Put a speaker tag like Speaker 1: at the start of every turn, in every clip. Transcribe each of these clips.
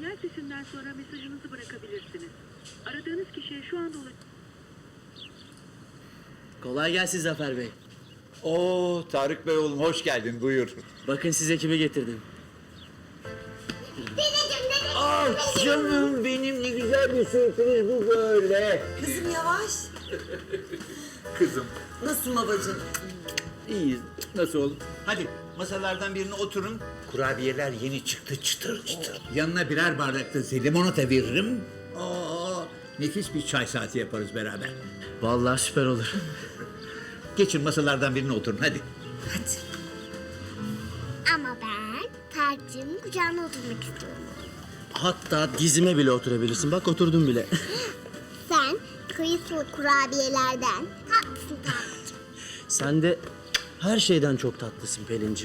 Speaker 1: Sinyal sesinden sonra mesajınızı bırakabilirsiniz. Aradığınız kişiye şu anda
Speaker 2: Kolay gelsin Zafer Bey.
Speaker 3: Oo Tarık Bey oğlum hoş geldin buyur.
Speaker 2: Bakın size kimi getirdim.
Speaker 3: Ah canım benim ne güzel bir sürpriz bu böyle.
Speaker 4: Kızım yavaş.
Speaker 3: Kızım
Speaker 4: Nasılsın babacığım?
Speaker 3: iyiyiz. Nasıl oğlum? Hadi masalardan birine oturun. Kurabiyeler yeni çıktı çıtır çıtır. Yanına birer bardak da limonata veririm. Aa, nefis bir çay saati yaparız beraber.
Speaker 2: Vallahi süper olur.
Speaker 3: Geçin masalardan birine oturun hadi.
Speaker 4: Hadi.
Speaker 5: Ama ben Tarık'cığımın kucağına oturmak istiyorum.
Speaker 2: Hatta dizime bile oturabilirsin. Bak oturdum bile.
Speaker 5: Sen kıyısılı kurabiyelerden tatlısın Tarık'cığım.
Speaker 2: Sen de her şeyden çok tatlısın Pelin'cim.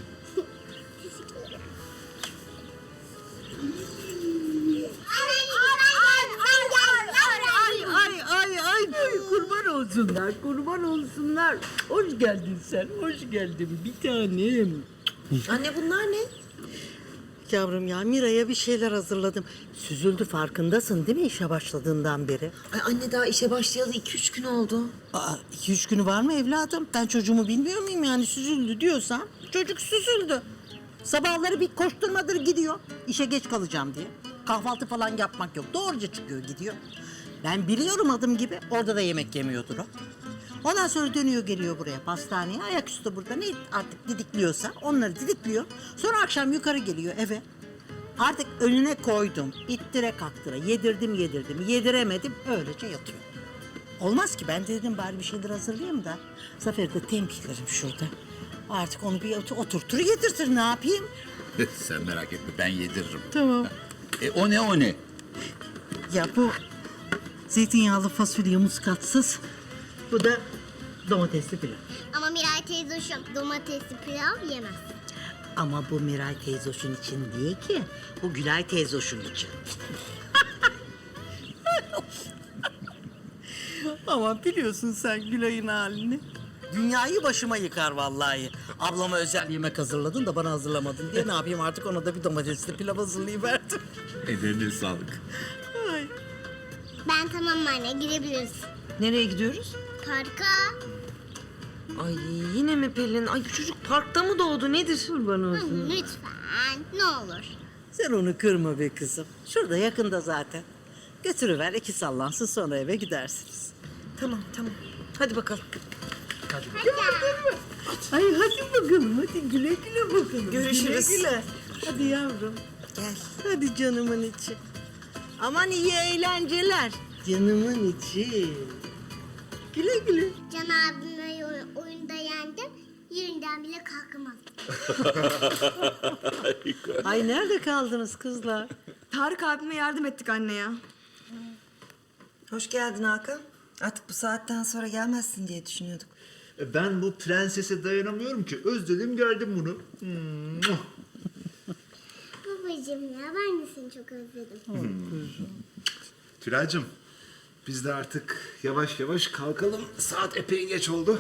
Speaker 6: Ay kurban olsunlar, kurban olsunlar. Hoş geldin sen, hoş geldin bir tanem.
Speaker 4: Anne bunlar ne?
Speaker 6: Yavrum ya Mira'ya bir şeyler hazırladım. Süzüldü farkındasın değil mi işe başladığından beri?
Speaker 4: Ay anne daha işe başlayalı 2-3 gün oldu.
Speaker 6: Aa, 2-3 günü var mı evladım? Ben çocuğumu bilmiyor muyum yani süzüldü diyorsam? Çocuk süzüldü. Sabahları bir koşturmadır gidiyor. İşe geç kalacağım diye. Kahvaltı falan yapmak yok. Doğruca çıkıyor gidiyor. Ben biliyorum adım gibi. Orada da yemek yemiyordur o. Ondan sonra dönüyor geliyor buraya pastaneye. Ayaküstü burada ne artık didikliyorsa onları didikliyor. Sonra akşam yukarı geliyor eve. Artık önüne koydum. İttire kaktıra. Yedirdim. Yediremedim. Öylece yatıyor. Olmaz ki ben dedim bari bir şeyler hazırlayayım da. Zafer'i de tembihlerim şurada. Artık onu bir oturtur yedirtir ne yapayım?
Speaker 3: Sen merak etme ben yediririm.
Speaker 6: Tamam.
Speaker 3: O ne o ne?
Speaker 6: Ya bu zeytinyağlı fasulye muskatsız. Bu da domatesli pilav.
Speaker 5: Ama Miray teyze domatesli pilav yemez.
Speaker 6: Ama bu Miray teyzoşun için değil ki. Bu Gülay teyzoşun için. Ama biliyorsun sen Gülay'ın halini. Dünyayı başıma yıkar vallahi. Ablama özel yemek hazırladın da bana hazırlamadın diye ne yapayım artık ona da bir domatesli pilav hazırlayıverdim.
Speaker 3: Ellerine sağlık.
Speaker 6: Ay.
Speaker 5: Ben tamam anne girebiliriz.
Speaker 4: Nereye gidiyoruz?
Speaker 5: Parka.
Speaker 4: Ay yine mi Pelin? Ay bu çocuk parkta mı doğdu nedir?
Speaker 6: Kurban olsun.
Speaker 5: Lütfen ne olur.
Speaker 6: Sen onu kırma be kızım. Şurada yakında zaten. Götürüver iki sallansın sonra eve gidersiniz.
Speaker 4: Tamam. Hadi bakalım.
Speaker 6: Ay hadi bakalım hadi güle güle bakalım.
Speaker 4: Görüşürüz.
Speaker 6: Güle güle. Hadi yavrum.
Speaker 4: Gel.
Speaker 6: Hadi canımın içi. Aman iyi eğlenceler. Canımın içi. Güle güle.
Speaker 5: Can abimi oyunda yendim. Yerinden bile kalkamaz.
Speaker 6: Ay nerede kaldınız kızlar?
Speaker 7: Tarık abime yardım ettik anne ya.
Speaker 4: Hoş geldin Hakan. Artık bu saatten sonra gelmezsin diye düşünüyorduk.
Speaker 8: Ben bu prensese dayanamıyorum ki. Özledim geldim bunu.
Speaker 5: Babacığım ya ben de seni çok özledim.
Speaker 8: Tülay'cığım biz de artık yavaş yavaş kalkalım. Saat epey geç oldu.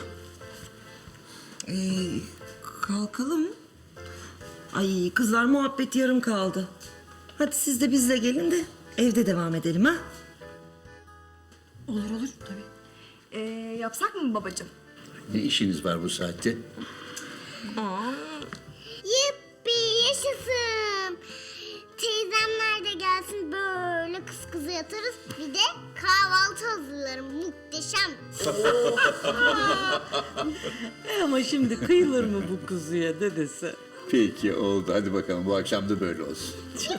Speaker 4: Kalkalım. Ay kızlar muhabbet yarım kaldı. Hadi siz de bizle gelin de evde devam edelim ha.
Speaker 7: Olur tabii. Yapsak mı babacığım?
Speaker 3: Ne işiniz var bu saatte?
Speaker 5: Yippi yaşasın. Teyzemler de gelsin böyle kız kıza yatarız. Bir de kahvaltı hazırlarım muhteşem.
Speaker 6: Ama şimdi kıyılır mı bu kuzuya dedesi?
Speaker 3: Peki oldu hadi bakalım bu akşam da böyle olsun.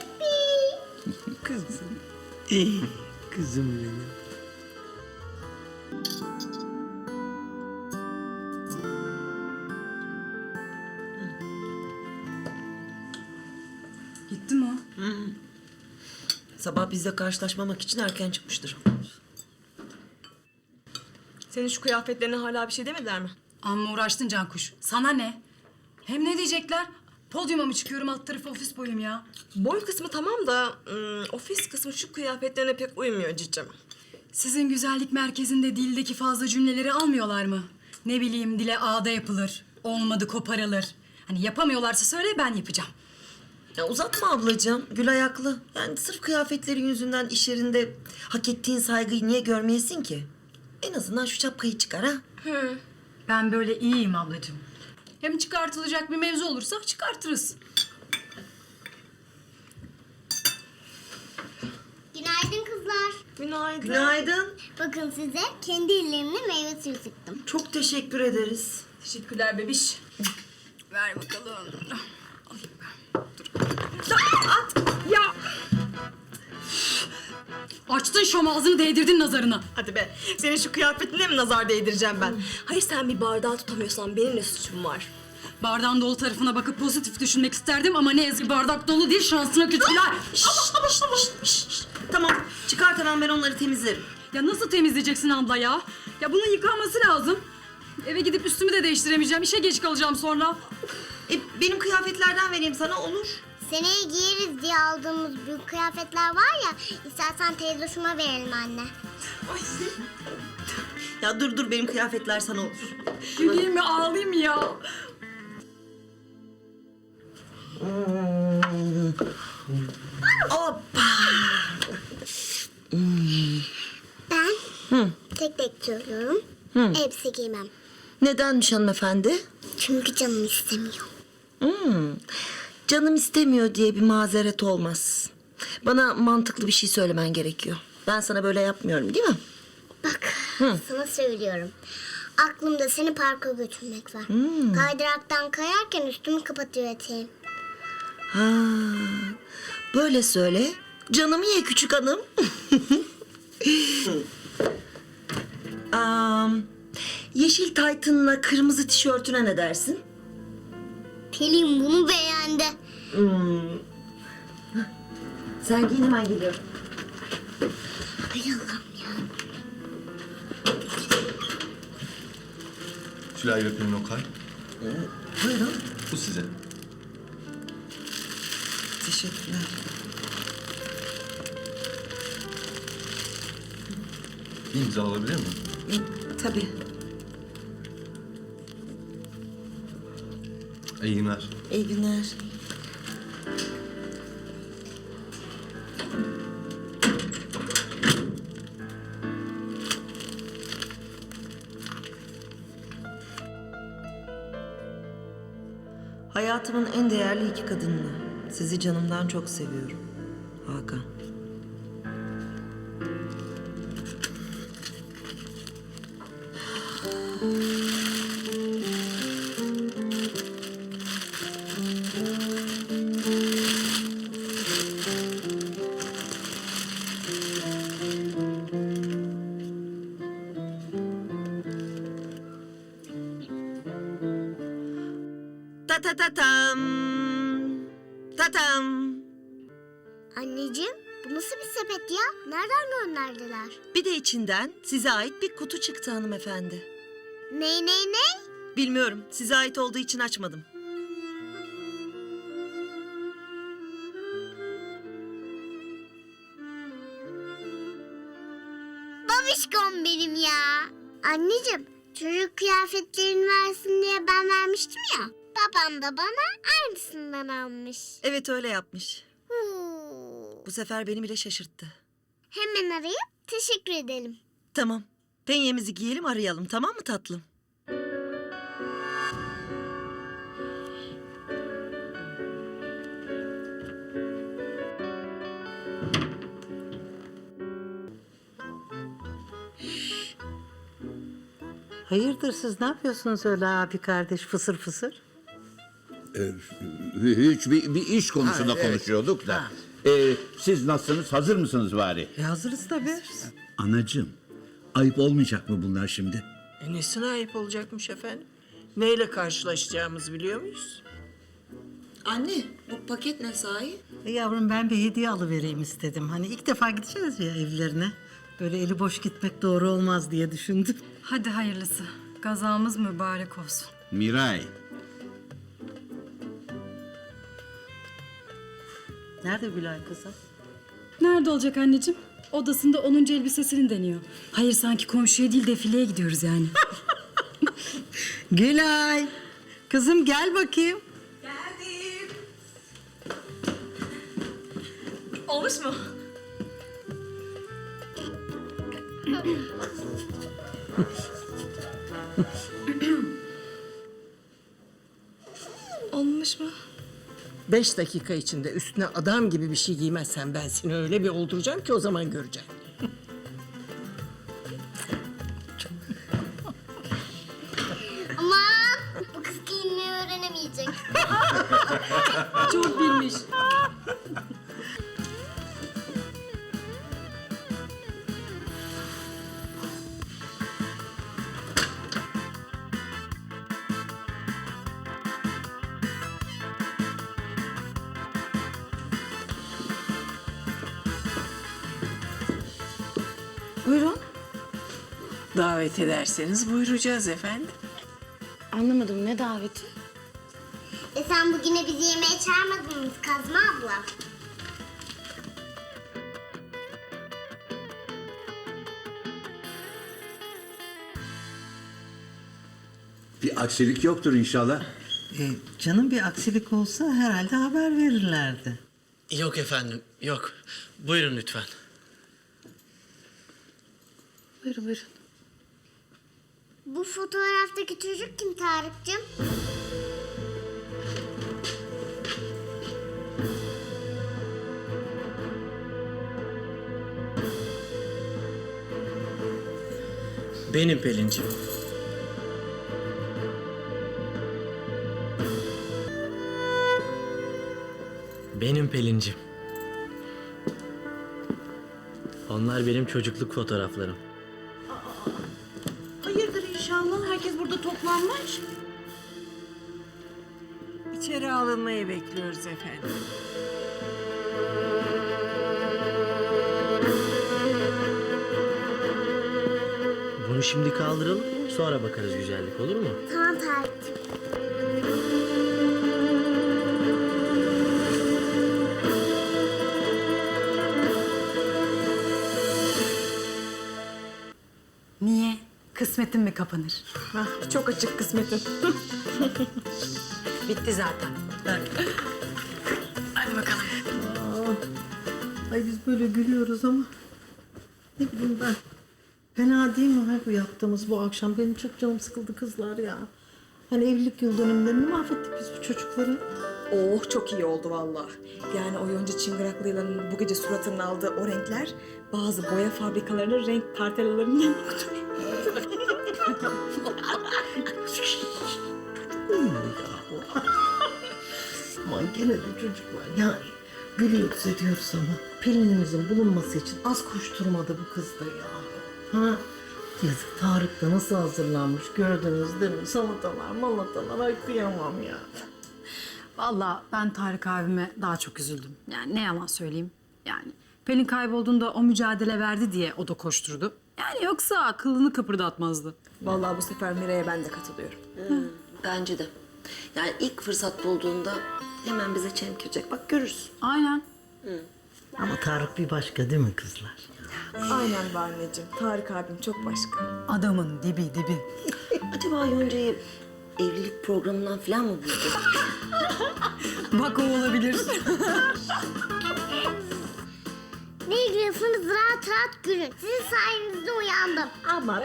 Speaker 6: Kızım. Kızım benim.
Speaker 7: Gitti mi o?
Speaker 4: Sabah bizle karşılaşmamak için erken çıkmıştır.
Speaker 7: Senin şu kıyafetlerine hala bir şey demediler mi?
Speaker 9: Amma uğraştın Cankuş. Sana ne? Hem ne diyecekler? Podyuma mı çıkıyorum alt tarafı ofis boyum ya?
Speaker 7: Boy kısmı tamam da ofis kısmı şu kıyafetlerine pek uymuyor cicim.
Speaker 9: Sizin güzellik merkezinde dildeki fazla cümleleri almıyorlar mı? Ne bileyim dile ağda yapılır. Olmadı koparılır. Hani yapamıyorlarsa söyle ben yapacağım.
Speaker 4: Ya uzatma ablacığım. Gülay haklı. Yani sırf kıyafetlerin yüzünden iş yerinde hak ettiğin saygıyı niye görmeyesin ki? En azından şu şapkayı çıkar ha.
Speaker 9: Ben böyle iyiyim ablacığım. Hem çıkartılacak bir mevzu olursa çıkartırız.
Speaker 5: Günaydın kızlar.
Speaker 7: Günaydın.
Speaker 4: Günaydın.
Speaker 5: Bakın size kendi ellerimle meyve suyu sıktım.
Speaker 4: Çok teşekkür ederiz.
Speaker 9: Teşekkürler bebiş. Ver bakalım. Ya! Açtın şom ağzını değdirdin nazarına.
Speaker 7: Hadi be. Senin şu kıyafetine mi nazar değdireceğim ben? Hayır sen bir bardağı tutamıyorsan benim ne suçum var?
Speaker 9: Bardağın dolu tarafına bakıp pozitif düşünmek isterdim ama ne yazık ki bardak dolu değil, şansına kötüler.
Speaker 4: Tamam. Çıkart hemen, ben onları temizlerim.
Speaker 9: Ya nasıl temizleyeceksin abla ya? Ya bunun yıkanması lazım. Eve gidip üstümü de değiştiremeyeceğim. İşe geç kalacağım sonra.
Speaker 4: Benim kıyafetlerden vereyim sana, olur.
Speaker 5: Seneye giyeriz diye aldığımız büyük kıyafetler var ya. İstersen teyzoşuma verelim anne.
Speaker 4: Ya dur benim kıyafetler sana olur.
Speaker 9: Güleyim mi ağlayayım mı ya?
Speaker 4: Hoppa.
Speaker 5: Ben tek tek söylüyorum. Elbise giymem.
Speaker 4: Nedenmiş hanımefendi?
Speaker 5: Çünkü canım istemiyor.
Speaker 4: Canım istemiyor diye bir mazeret olmaz. Bana mantıklı bir şey söylemen gerekiyor. Ben sana böyle yapmıyorum, değil mi?
Speaker 5: Bak sana söylüyorum. Aklımda seni parka götürmek var. Kaydıraktan kayarken üstümü kapatıyor eteğim.
Speaker 4: Ha, böyle söyle. Canımı ye küçük hanım. Yeşil taytınla kırmızı tişörtüne ne dersin?
Speaker 5: Pelin bunu beğendi.
Speaker 4: Sen giyin, hemen geliyorum.
Speaker 5: Ay Allah'ım ya.
Speaker 8: Tülay ve Pelin Okay.
Speaker 4: Buyurun.
Speaker 8: Bu size.
Speaker 4: Teşekkürler.
Speaker 8: Bir imza alabilir miyim?
Speaker 4: Tabii.
Speaker 8: İyi günler.
Speaker 4: İyi günler. Hayatımın en değerli iki kadınını. Sizi canımdan çok seviyorum. Hakan. Ta ta ta tam. Tatam.
Speaker 5: Anneciğim bu nasıl bir sepet ya? Nereden gönderdiler?
Speaker 4: Bir de içinden size ait bir kutu çıktı hanımefendi.
Speaker 5: Ne?
Speaker 4: Bilmiyorum. Size ait olduğu için açmadım.
Speaker 5: Babişkom benim ya. Anneciğim çocuk kıyafetlerini versin diye ben vermiştim ya. Babam da bana aynısından almış.
Speaker 4: Evet, öyle yapmış.
Speaker 5: Huu.
Speaker 4: Bu sefer beni bile şaşırttı.
Speaker 5: Hemen arayıp teşekkür edelim.
Speaker 4: Tamam. Penyemizi giyelim, arayalım, tamam mı tatlım?
Speaker 6: Hayırdır siz ne yapıyorsunuz öyle abi kardeş fısır fısır?
Speaker 3: Hiç bir iş konusunda konuşuyorduk da. Siz nasılsınız? Hazır mısınız bari?
Speaker 6: Hazırız tabii.
Speaker 3: Anacığım, ayıp olmayacak mı bunlar şimdi?
Speaker 10: Nesine ayıp olacakmış efendim? Neyle karşılaşacağımızı biliyor muyuz?
Speaker 4: Anne, bu paket ne sahi?
Speaker 6: Yavrum ben bir hediye alıvereyim istedim. Hani ilk defa gideceğiz ya evlerine. Böyle eli boş gitmek doğru olmaz diye düşündüm.
Speaker 9: Hadi hayırlısı. Gazamız mübarek olsun.
Speaker 3: Miray,
Speaker 6: Nerede Gülay kızım?
Speaker 9: Nerede olacak anneciğim? Odasında 10. elbisesini deniyor. Hayır sanki komşuya değil defileye gidiyoruz yani.
Speaker 6: Gülay. Kızım gel bakayım.
Speaker 7: Geldim. Olmuş mu? Olmuş mu?
Speaker 10: 5 dakika içinde üstüne adam gibi bir şey giymezsen ben seni öyle bir olduracağım ki o zaman göreceksin.
Speaker 5: Aman bu kız giyinmeyi öğrenemeyecek.
Speaker 9: Çok bilmiş.
Speaker 4: Buyurun.
Speaker 10: Davet ederseniz buyuracağız efendim.
Speaker 4: Anlamadım, ne daveti?
Speaker 5: Sen bugüne bizi yemeğe çağırmadın mı Kazma abla?
Speaker 3: Bir aksilik yoktur inşallah.
Speaker 6: Canım bir aksilik olsa herhalde haber verirlerdi.
Speaker 2: Yok efendim, yok. Buyurun lütfen.
Speaker 9: Buyurun buyurun.
Speaker 5: Bu fotoğraftaki çocuk kim Tarık'cığım?
Speaker 2: Benim Pelin'cim. Benim Pelin'cim. Onlar benim çocukluk fotoğraflarım.
Speaker 6: Hayırdır inşallah, herkes burada toplanmış.
Speaker 10: İçeri alınmayı bekliyoruz efendim.
Speaker 2: Bunu şimdi kaldıralım, sonra bakarız güzellik, olur mu?
Speaker 5: Tamam Tarık'cığım.
Speaker 9: Niye? Kısmetin mi kapanır?
Speaker 7: Çok açık kısmetim.
Speaker 6: Bitti zaten.
Speaker 9: Hadi bakalım.
Speaker 6: Ay biz böyle gülüyoruz ama ne bileyim ben. Fena değil mi bu yaptığımız bu akşam? Benim çok canım sıkıldı kızlar ya. Hani evlilik yıl dönümlerini mahvettik biz bu çocukları.
Speaker 7: Oh çok iyi oldu vallahi. Yani o yonca çıngıraklıyla bu gece suratının aldığı o renkler bazı boya fabrikalarının renk kartelalarından yoktur.
Speaker 6: Aman gene de çocuklar yani gülüyoruz ediyoruz ama Pelin'imizin bulunması için az koşturmadı bu kız da ya. Ha? Yazık Tarık da nasıl hazırlanmış gördünüz değil mi? Salatalar malatalar ay kıyamam ya.
Speaker 9: Vallahi ben Tarık abime daha çok üzüldüm. Yani ne yalan söyleyeyim. Yani Pelin kaybolduğunda o mücadele verdi diye o da koşturdu. Yani yoksa kılını kıpırdatmazdı.
Speaker 7: Vallahi bu sefer Miray'a ben de katılıyorum.
Speaker 4: Bence de. Yani ilk fırsat bulduğunda hemen bize çemkirecek. Bak görürsün.
Speaker 9: Aynen.
Speaker 6: Ama Tarık bir başka değil mi kızlar?
Speaker 7: Aynen be anneciğim. Tarık abim çok başka.
Speaker 9: Adamın dibi dibi.
Speaker 4: Acaba Yonca'yı evlilik programından falan mı buldu?
Speaker 9: Bak o olabilir.
Speaker 5: Ne gülüyorsunuz rahat rahat gülün. Sizin sayenizde uyandım.
Speaker 6: Ama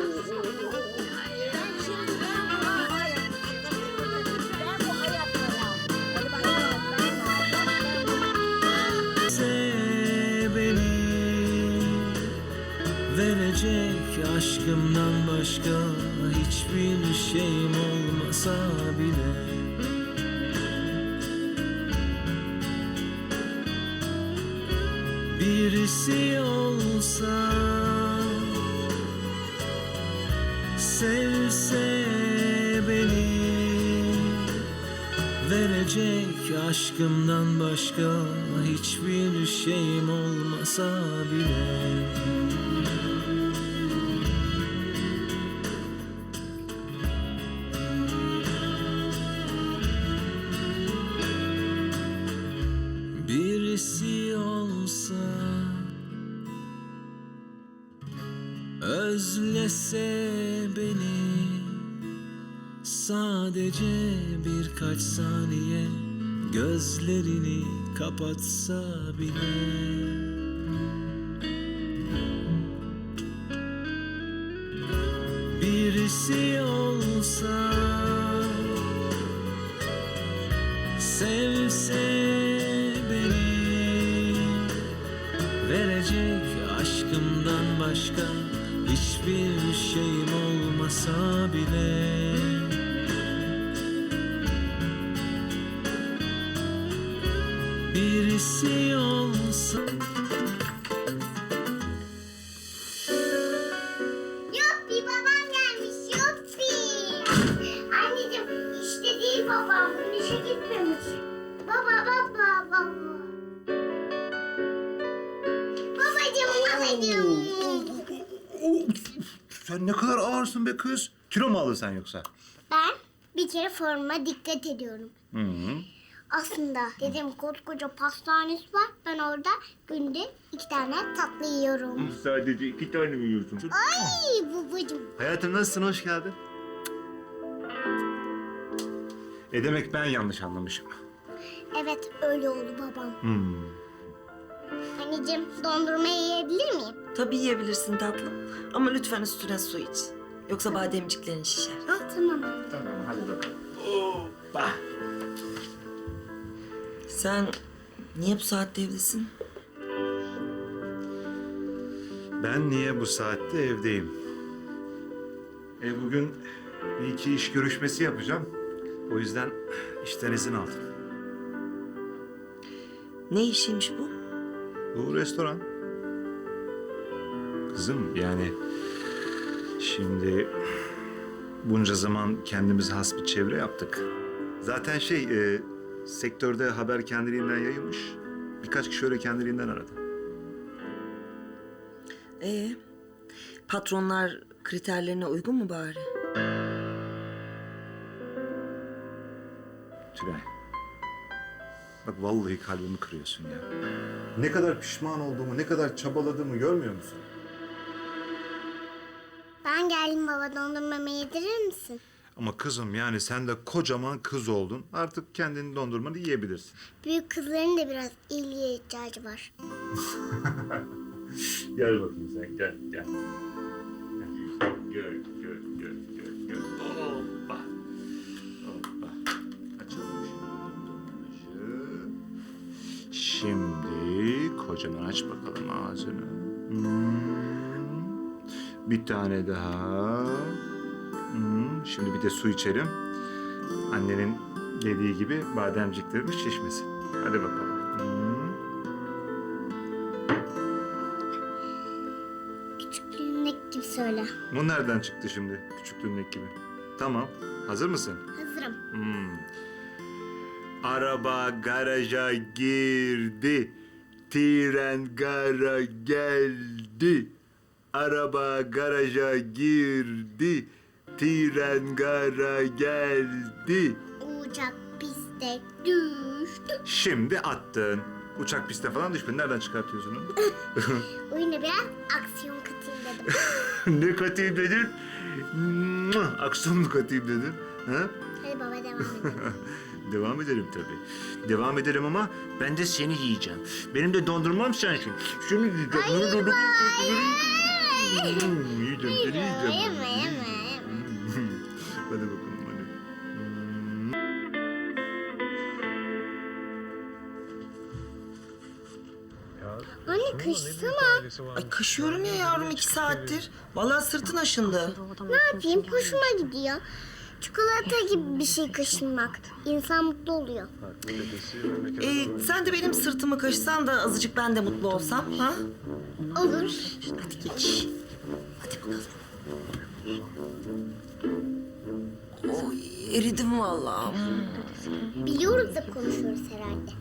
Speaker 11: verecek aşkımdan başka hiçbir şeyim olmasa bile birisi olsa sevse beni verecek aşkımdan başka hiçbir şeyim olmasa bile birisi olsa özlese beni sadece birkaç saniye gözlerini kapatsa bile. Birisi olsa, sevse beni, verecek aşkımdan başka hiçbir şeyim olmasa bile. Birisi olsa.
Speaker 5: Yuppi babam gelmiş yuppi. Anneciğim işte değil babam. İşe gitmemiş. Baba. Babacığım.
Speaker 8: Sen ne kadar ağırsın be kız. Kilo mu aldın sen yoksa?
Speaker 5: Ben bir kere formuma dikkat ediyorum. Aslında dedim koskoca pastanesi var. Ben orada günde 2 tane tatlı yiyorum.
Speaker 8: Sadece 2 tane mi yiyorsun?
Speaker 5: Ay babacığım.
Speaker 8: Hayatım nasılsın? Hoş geldin. Demek ben yanlış anlamışım.
Speaker 5: Evet öyle oldu babam. Anneciğim dondurma yiyebilir miyim?
Speaker 4: Tabii yiyebilirsin tatlım. Ama lütfen üstüne su iç. Yoksa bademciklerin şişer. Ha?
Speaker 5: Tamam.
Speaker 8: Tamam hadi bakalım. Hoppa.
Speaker 4: Sen niye bu saatte evdesin?
Speaker 8: Ben niye bu saatte evdeyim? Bugün bir iki iş görüşmesi yapacağım. O yüzden işten izin aldım.
Speaker 4: Ne işiymiş bu?
Speaker 8: Bu restoran. Kızım yani şimdi bunca zaman kendimize has bir çevre yaptık. Zaten sektörde haber kendiliğinden yayılmış. Birkaç kişi öyle kendiliğinden aradı.
Speaker 4: Patronlar kriterlerine uygun mu bari?
Speaker 8: Tülay. Bak vallahi kalbimi kırıyorsun ya. Ne kadar pişman olduğumu, ne kadar çabaladığımı görmüyor musun?
Speaker 5: Ben geldim baba dondurmamı yedirir misin?
Speaker 8: Ama kızım yani sen de kocaman kız oldun. Artık kendini dondurmanı yiyebilirsin.
Speaker 5: Büyük kızların da biraz ilgiye ihtiyacı var.
Speaker 8: Gel bakayım sen gel. Gel. Hoppa. Açalım şimdi kocaman aç bakalım ağzını. Bir tane daha. Şimdi bir de su içelim. Annenin dediği gibi bademciklerimiz şişmesin. Hadi bakalım.
Speaker 5: Küçüklüğümdeki gibi söyle.
Speaker 8: Bu nereden çıktı şimdi küçüklüğündeki gibi? Tamam. Hazır mısın?
Speaker 5: Hazırım.
Speaker 8: Araba garaja girdi. Tren gara geldi. Araba garaja girdi. Tren gara geldi.
Speaker 5: Uçak piste düştü.
Speaker 8: Şimdi attın. Uçak piste falan düşmedi. Nereden çıkartıyorsun onu?
Speaker 5: Oyuna biraz aksiyon katayım dedim.
Speaker 8: Ne katayım dedin? Aksiyon mu katayım dedin? Ha?
Speaker 5: Hadi baba devam edelim.
Speaker 8: Devam edelim tabii. Devam edelim ama ben de seni yiyeceğim. Benim de dondurmam sensin. Şunu yiyeceğim. Yiyeceğim, seni yiyeceğim.
Speaker 5: Yeme.
Speaker 8: Hadi bakalım hadi.
Speaker 5: Anne kaşısana.
Speaker 4: Ay kaşıyorum ya yavrum 2 saattir. Vallahi sırtın aşındı.
Speaker 5: Ne yapayım hoşuma gidiyor. Çikolata gibi bir şey kaşınmak. İnsan mutlu oluyor.
Speaker 4: Sen de benim sırtımı kaşısan da azıcık ben de mutlu olsam ha?
Speaker 5: Olur.
Speaker 4: Hadi geç. Hadi bakalım. Oy eridim vallahi.
Speaker 5: Biliyoruz da konuşuyoruz herhalde.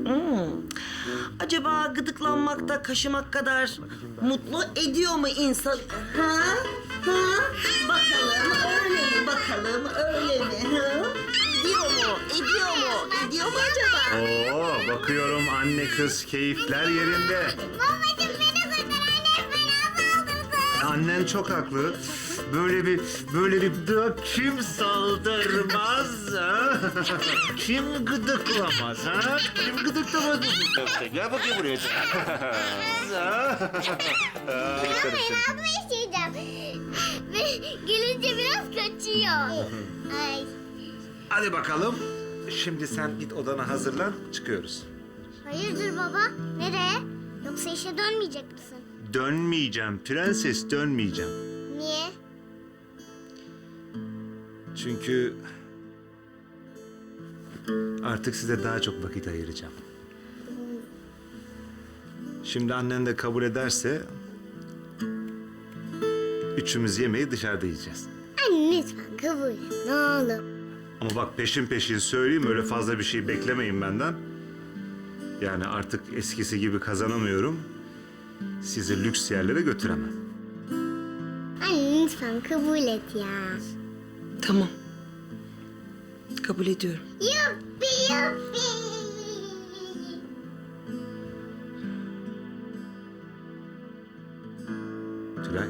Speaker 4: Acaba gıdıklanmakta kaşımak kadar mutlu ediyor mu insan? Ha? Ha? Bakalım öyle mi? Bakalım öyle mi? Ha? Ediyor mu? Ediyor mu? Ediyor mu acaba?
Speaker 8: Oo, bakıyorum anne kız keyifler yerinde.
Speaker 5: Babacığım beni kurtar anne beni aldırdı.
Speaker 8: Annen çok haklı. Böyle bir kim saldırmaz ha? Kim gıdıklamaz ha? Kim gıdıklamaz mı? Gel bakayım buraya.
Speaker 5: Ben abla isteyeceğim. Ve gelince biraz kaçıyor. Ay.
Speaker 8: Hadi bakalım. Şimdi sen git odana hazırlan, çıkıyoruz.
Speaker 5: Hayırdır baba? Nereye? Yoksa işe dönmeyecek misin?
Speaker 8: Dönmeyeceğim prenses, dönmeyeceğim.
Speaker 5: Niye?
Speaker 8: Çünkü artık size daha çok vakit ayıracağım. Şimdi annen de kabul ederse üçümüz yemeği dışarıda yiyeceğiz.
Speaker 5: Anne lütfen kabul et. Ne olur.
Speaker 8: Ama bak peşin söyleyeyim, öyle fazla bir şey beklemeyin benden. Yani artık eskisi gibi kazanamıyorum. Sizi lüks yerlere götüremem.
Speaker 5: Anne lütfen kabul et ya.
Speaker 7: Tamam. Kabul ediyorum.
Speaker 5: Yuppi yuppi.
Speaker 8: Tülay.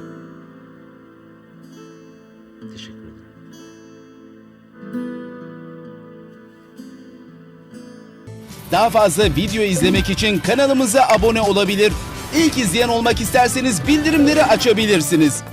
Speaker 8: Teşekkür ederim.
Speaker 12: Daha fazla video izlemek için kanalımıza abone olabilir. İlk izleyen olmak isterseniz bildirimleri açabilirsiniz.